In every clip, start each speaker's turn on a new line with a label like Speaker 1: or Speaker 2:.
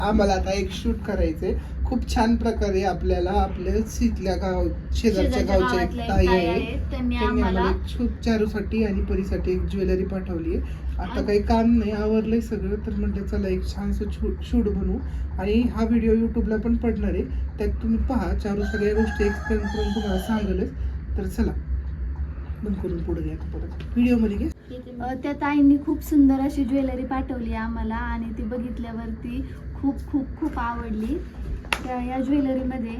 Speaker 1: आम्हाला आता एक शूट करायचंय. खूप छान प्रकारे आपल्याला आपल्या शेजारच्या गावच्या एक ताई आहे, त्यांनी आम्हाला एक चारूसाठी आणि परीसाठी एक ज्वेलरी पाठवली आहे. आता काही काम नाही, आवरलंय सगळं, तर म्हटलं चला एक छानसं शूट बनवू. आणि हा व्हिडिओ युट्यूबला पण पडणार आहे, त्यात तुम्ही पहा. चारू सगळ्या गोष्टी एक्सप्लेन करून तुम्हाला सांगेलच. तर चला बंद करून पुढे घ्या, परत व्हिडिओमध्ये घे.
Speaker 2: त्या ताईंनी खूप सुंदर अशी ज्वेलरी पाठवली आम्हाला आणि ती बघितल्यावरती खूप खूप खूप आवडली. या ज्वेलरीमध्ये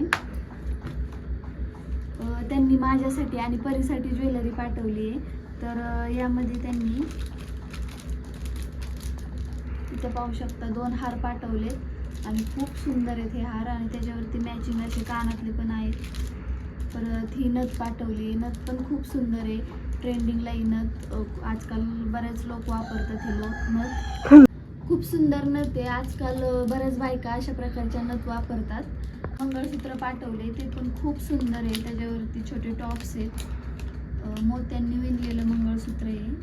Speaker 2: त्यांनी माझ्यासाठी आणि परीसाठी ज्वेलरी पाठवली आहे. तर यामध्ये त्यांनी इथे पाहू शकता 2 हार पाठवले आणि खूप सुंदर आहेत हे हार. आणि त्याच्यावरती मॅचिंग असे कानातले पण आहेत. परत ही नथ पाठवली, नथ पण खूप सुंदर आहे. ट्रेंडिंगला ही नथ आजकाल बरेच लोक वापरतात. हे नथ खूप सुंदर नथ आहे. आजकाल बऱ्याच बायका अशा प्रकारच्या नथ वापरतात. मंगळसूत्र पाठवले, ते पण खूप सुंदर आहे. त्याच्यावरती छोटे टॉप्स आहेत. मोत्यांनी विणलेलं मंगळसूत्र आहे.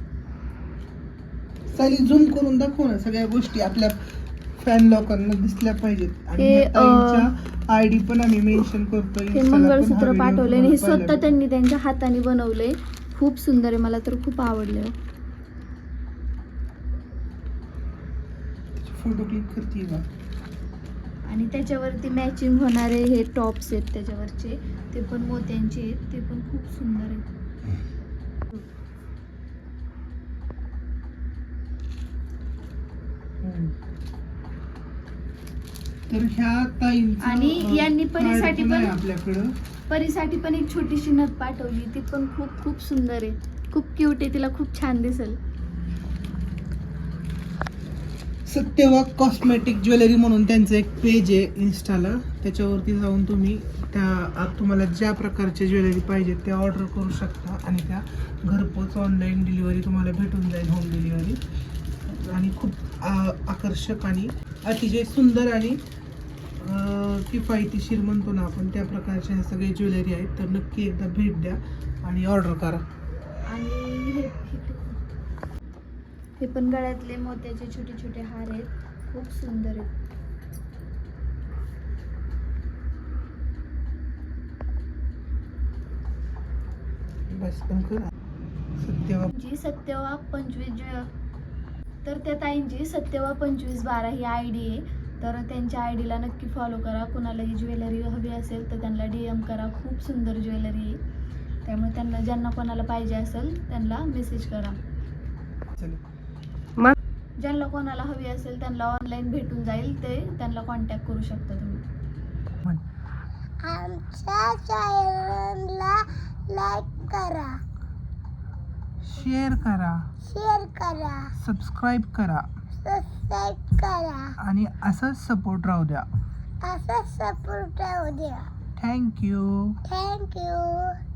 Speaker 1: सारी झूम करून दाखव ना, सगळ्या गोष्टी आपल्या फॅन लोकांना दिसल्या पाहिजेत. आणि ताईंच्या आयडी पण आम्ही मेन्शन करतो.
Speaker 2: हे मंगळसूत्र पाठवले आणि हे स्वतः त्यांनी त्यांच्या हाताने बनवले. खूप सुंदर आहे, मला तर खूप आवडले.
Speaker 1: फोटो क्लिक करते का?
Speaker 2: आणि त्याच्यावरती मॅचिंग होणारे हे टॉप्स आहेत त्याच्यावरचे, ते पण मोत्यांचे आहेत. ते पण खूप सुंदर आहेत.
Speaker 1: तर ह्या ताईंचं
Speaker 2: आणि यांनी परीसाठी पण
Speaker 1: आपल्याकडं
Speaker 2: परीसाठी पण एक छोटीशी नथ पाठवली. ती पण खूप खूप सुंदर आहे, खूप क्यूट आहे. तिला खूप छान दिसेल.
Speaker 1: सत्यवाक कॉस्मेटिक ज्वेलरी म्हणून त्यांचं एक पेज आहे इन्स्टाला. त्याच्यावरती जाऊन तुम्ही तुम्हाला ज्या प्रकारचे ज्वेलरी पाहिजे ते ऑर्डर करू शकता. आणि त्या घरपोच ऑनलाईन डिलिव्हरी तुम्हाला भेटून जाईल, होम डिलिव्हरी. आणि खूप आकर्षक आणि अतिशय सुंदर आणि किफायतीशीर म्हणतो ना आपण, त्या प्रकारच्या ह्या सगळे ज्वेलरी आहेत. तर नक्की एकदा भेट द्या आणि ऑर्डर करा.
Speaker 2: आणि हे पण गळ्यातले मोत्याचे छोटे छोटे हार आहेत, खूप सुंदर आहेत.
Speaker 1: बस पण करा.
Speaker 2: सत्यवाक 25 तर त्या ताईंची सत्यवाक 2512 ही आयडी आहे. तर त्यांच्या आयडीला नक्की फॉलो करा. कुणाला ही ज्वेलरी हवी असेल तर त्यांना DM करा. खूप सुंदर ज्वेलरी आहे, त्यामुळे त्यांना ज्यांना कोणाला पाहिजे असेल त्यांना मेसेज करा. ज्यांना कोणाला हवी असेल त्यांना ऑनलाईन भेटून जाईल, ते त्यांना कॉन्टॅक्ट करू शकता तुम्ही.
Speaker 3: आमच्या चॅनलला लाईक करा,
Speaker 1: शेअर करा, सबस्क्राईब करा आणि असंच सपोर्ट राहू द्या.
Speaker 3: असंच सपोर्ट राहू द्या.
Speaker 1: थँक्यू.